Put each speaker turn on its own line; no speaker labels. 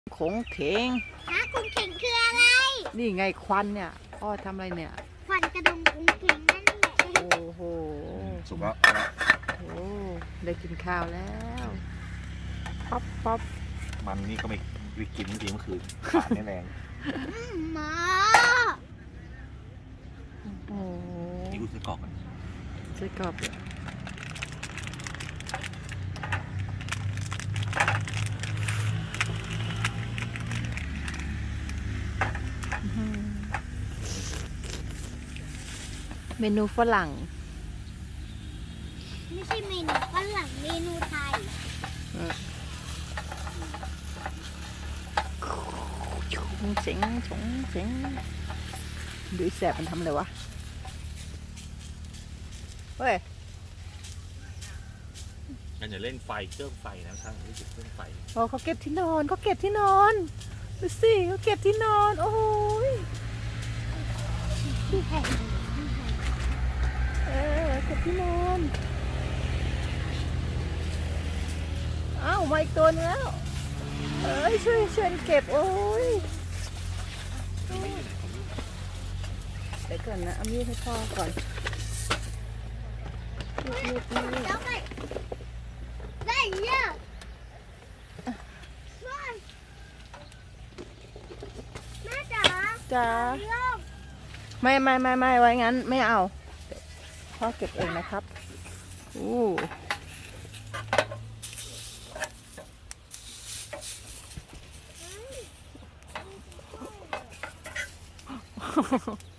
ขงเขง
ฮะกุ้งเข่งคืออะไร
นี่ไงควันเนี่ยพ่อทำอะไรเนี่ย
ควันกระดงกุ้งเข่งนั่นแหละ
โอ้โห
สุกแล้ว
โอ้ได้กินข้าวแล้วป๊อปป๊อป
มันนี่ก็ไม่กินเมื่อคืนขาดแน่แรง
หมา
โอ้
นี่กูซื้อกรอกกัน
ใส่กรอบเลยเมนูฝรั่ง
ไม่ใช่เมนูฝรั่งเมนูไทย
ชงเสียงชงเสียงดูแสบมันทำอะไรวะเฮ้ย
งั้นอย่าเล่นไฟเครื่องไฟนะท่านรู้สึกเครื่องไฟ
โอ้เขาเก็บที่นอนเขาเก็บที่นอนดูสิเขาเก็บที่นอนโอ้ยเก็บที่นอนอ้าวมาอีกตัวนึงแล้วเอ้ยช่วยเก็บโอ้ยเดี๋ยวก่อนนะเอามีดให้พ่อก่อนมีด
ได้เยอะแม่จ๋า
จ้าไม่ไว้งั้นไม่เอาพ่อเก็บเองนะครับอู้